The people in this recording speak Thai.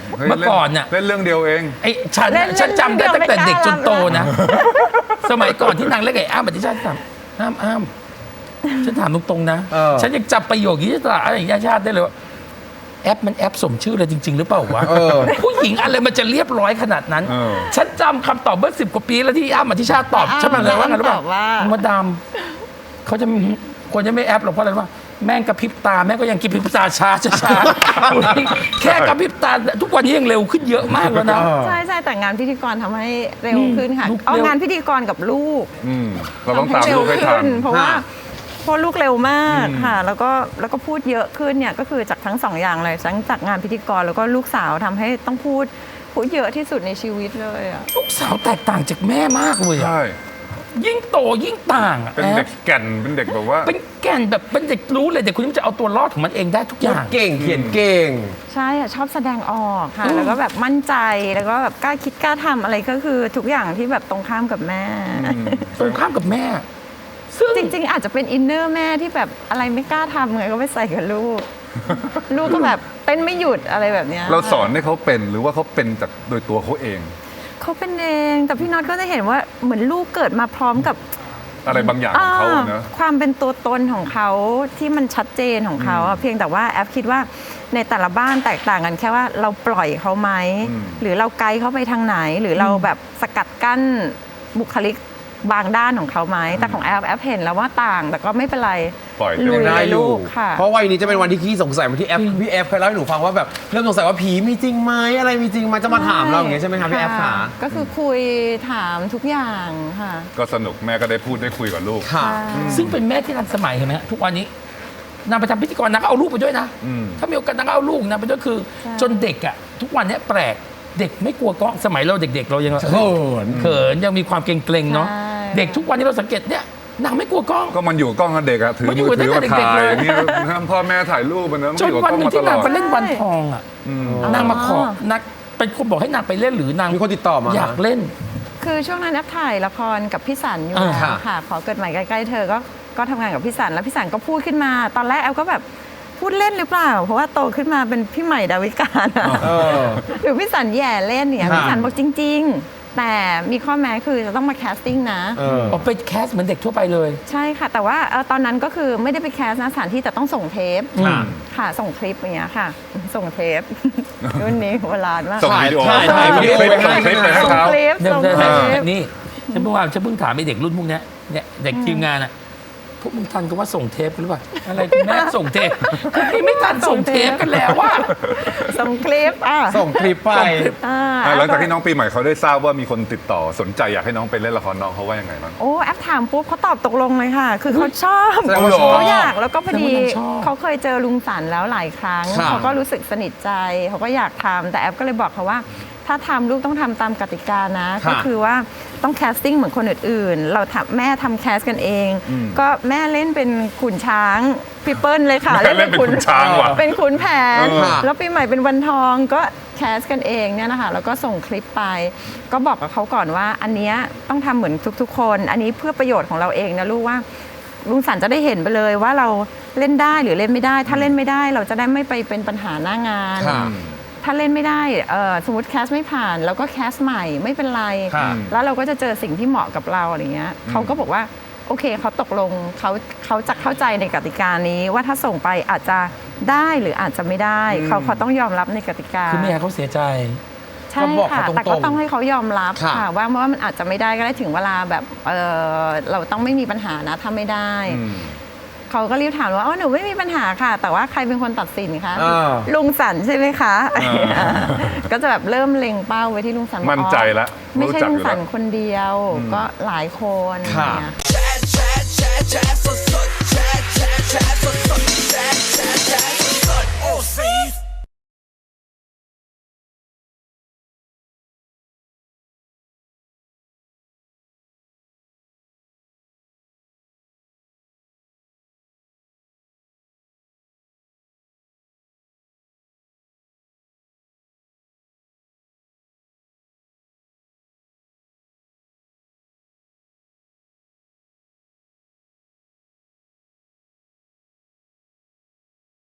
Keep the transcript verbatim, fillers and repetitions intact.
เมื่อก่อนน่ะเล่นเรื่องเดียวเองไอ้ฉันฉันจำได้ตั้งแต่เด็กจนโตนะสมัยก่อนที่นางเล่นไอ้อ้ำอธิชาติถามอ้ำอ้ำฉันถามตรงๆนะฉันยังจำประโยคนี้ตลอดอะไรอย่างชาติได้เลยว่าแอปมันแอปสมชื่อเลยจริงๆหรือเปล่าวะผู้หญิงอะไรมันจะเรียบร้อยขนาดนั้นฉันจำคำตอบเมื่อสิบกว่าปีแล้วที่อ้ำอธิชาติตอบฉันมาเลยว่าไงรู้ป่ะมดดำเขาจะควรจะไม่แอปหรอกเพราะอะไรว่าแม่งกระพริบตาแม่ก็ยังกระพริบตาช้าช้าแค่กระพริบตาทุกวันนี้ยังเร็วขึ้นเยอะมากแล้วนะใช่ใช่แต่งานพิธีกรทำให้เร็วขึ้นค่ะเอางานพิธีกรกับลูกเราต้องตามลูกให้ทันเพราะว่าพอลูกเร็วมากค่ะแล้วก็แล้วก็พูดเยอะขึ้นเนี่ยก็คือจากทั้งสองอย่างเลยทั้งจากงานพิธีกรแล้วก็ลูกสาวทำให้ต้องพูดพูดเยอะที่สุดในชีวิตเลยอ่ะลูกสาวแตกต่างจากแม่มากเลยอ่ะยิ่งโตยิ่งต่างอ่ะเป็นเด็กแก่นเป็นเด็กแบบว่าเป็นแก่นแบบเป็นเด็กรู้เลยเด็กคนนี้จะเอาตัวรอดของมันเองได้ทุกอย่างเก่งเขียนเก่งใช่ชอบแสดงออกค่ะแล้วก็แบบมั่นใจแล้วก็แบบกล้าคิดกล้าทำอะไรก็คือทุกอย่างที่แบบตรงข้ามกับแม่ตรงข้ามกับแม่ซึ่งจริงๆอาจจะเป็นอินเนอร์แม่ที่แบบอะไรไม่กล้าทำไงก็ไปใส่กับลูกลูกก็แบบเป็นไม่หยุดอะไรแบบนี้เราสอนให้เขาเป็นหรือว่าเขาเป็นจากโดยตัวเขาเองเขาเป็นเองแต่พี่น็อตก็จะเห็นว่าเหมือนลูกเกิดมาพร้อมกับอะไรบางอย่างของเขาเนอะความเป็นตัวตนของเขาที่มันชัดเจนของเขาเพียงแต่ว่าแอฟคิดว่าในแต่ละบ้านแตกต่างกันแค่ว่าเราปล่อยเขาไหมหรือเราไกด์เขาไปทางไหนหรือเราแบบสกัดกั้นบุคลิกบางด้านของเขาไหมแต่ของแอฟแอฟเห็นแล้วว่าต่างแต่ก็ไม่เป็นไรปล่อยลุยได้ลูกค่ะเพราะวัยนี้จะเป็นวันที่ขี้สงสัยเหมือนที่แอฟพี่แอฟเคยเล่าให้หนูฟังว่าแบบเริ่มสงสัยว่าผีมีจริงไหมอะไรมีจริงไหมจะมาถามเราอย่างเงี้ยใช่ไหมคะพี่แอฟขาก็คือคุยถามทุกอย่างค่ะก็สนุกแม่ก็ได้พูดได้คุยกับลูกค่ะซึ่งเป็นแม่ที่ทันสมัยเห็นไหมทุกวันนี้นางไปทำพิธีกรนางก็เอาลูกไปด้วยนะถ้ามีโอกาสนางก็เอาลูกนางไปด้วยคือจนเด็กอ่ะทุกวันนี้แปลกเด็กไม่กลัวกล้องสมัยเราเด็กๆเรายังเขินเขินยังมีความเกรงๆเนาะเด็กทุกวันนี้เราสังเกตเนี่ยนางไม่กลัวกล้องก็มันอยู่กล้องกับเด็กอะถือมือถือมาถ่ายนี่พ่อแม่ถ่ายรูปมันนะจนวันหนึ่งที่นางไปเล่นวันทองอะนางมาขอนักเป็นคนบอกให้นางไปเล่นหรือนางมีคนติดต่อมาอยากเล่นคือช่วงนั้นแอฟถ่ายละครกับพี่สันอยู่ค่ะขอเกิดใหม่ใกล้ๆเธอก็ก็ทำงานกับพี่สันแล้วพี่สันก็พูดขึ้นมาตอนแรกแอฟก็แบบพูดเล่นหรือเปล่าเพราะว่าโตขึ้นมาเป็นพี่ใหม่ดาวิกาหรือพี่สันแย่เล่นเนี่ยพี่สันบอกจริงๆแต่มีข้อแม้คือจะต้องมาแคสติ้งนะอ๋อไปแคสเหมือนเด็กทั่วไปเลยใช่ค่ะแต่ว่าตอนนั้นก็คือไม่ได้ไปแคสนะสถานที่แต่ต้องส่งเทปค่ะส่งคลิปอย่างเงี้ยค่ะส่งเทปรุ่นนี้โบราณมากส่งวิดีโอถ่ายถ่ายวิดีโอไปให้ส่งคลิปส่งคลิปนี่ฉันเพิ่งว่าฉันเพิ่งถามไอ้เด็กรุ่นพวกนี้เนี่ยเด็กทีมงานอะพวกมึงทันก็ว่าส่งเทปหรือเปล่าอะไรแม่ส่งเทปไม่ทันส่งเทปกันแล้วว่าส่งคลิปอ่ะส่งคลิปไปหลังจากที่น้องปีใหม่เขาได้ทราบว่ามีคนติดต่อสนใจอยากให้น้องไปเล่นละครน้องเขาว่ายังไงบ้างโอ้แอปถามปุ๊บเขาตอบตกลงเลยค่ะคือเขาชอบเขาอยากแล้วก็พอดีเขาเคยเจอลุงสันแล้วหลายครั้งเขาก็รู้สึกสนิทใจเขาก็อยากทำแต่แอปก็เลยบอกเขาว่าถ้าทำลูกต้องทำตามกติกานะก็คือว่าต้องแคสติ้งเหมือนคนอื่นๆเราทำแม่ทำแคสกันเองก็แม่เล่นเป็นขุนช้างพี่เปิ้ลเลยค่ะเล่นเป็นขุนช้างว่ะเป็นขุนแผนแล้วปีใหม่เป็นวันทองก็แคสกันเองเนี่ยนะคะแล้วก็ส่งคลิปไปก็บอกกับเขาก่อนว่าอันนี้ต้องทำเหมือนทุกๆคนอันนี้เพื่อประโยชน์ของเราเองนะลูกว่าลุงสันจะได้เห็นไปเลยว่าเราเล่นได้หรือเล่นไม่ได้ถ้าเล่นไม่ได้เราจะได้ไม่ไปเป็นปัญหาหน้างานถ้าเล่นไม่ได้สมมติแคสไม่ผ่านแล้วก็แคสใหม่ไม่เป็นไรแล้วเราก็จะเจอสิ่งที่เหมาะกับเราอะไรเงี้ยเขาก็บอกว่าโอเคเขาตกลงเขาเขาจะเข้าใจในกติกานี้ว่าถ้าส่งไปอาจจะได้หรืออาจจะไม่ได้เขาเขาต้องยอมรับในกติกาคือไม่ให้เขาเสียใจใช่ค่ะแต่ก็ต้องให้เขายอมรับค่ะว่าว่ามันอาจจะไม่ได้ก็ได้ถึงเวลาแบบเออเราต้องไม่มีปัญหานะถ้าไม่ได้เขาก็รีบถามว่าอ๋อหนูไม่มีปัญหาค่ะแต่ว่าใครเป็นคนตัดสินคะลุงสันใช่ไหมคะก็จะแบบเริ่มเล็งเป้าไว้ที่ลุงสันมั่นใจแล้วไม่ใช่ลุงสันคนเดียวก็หลายคนค่ะ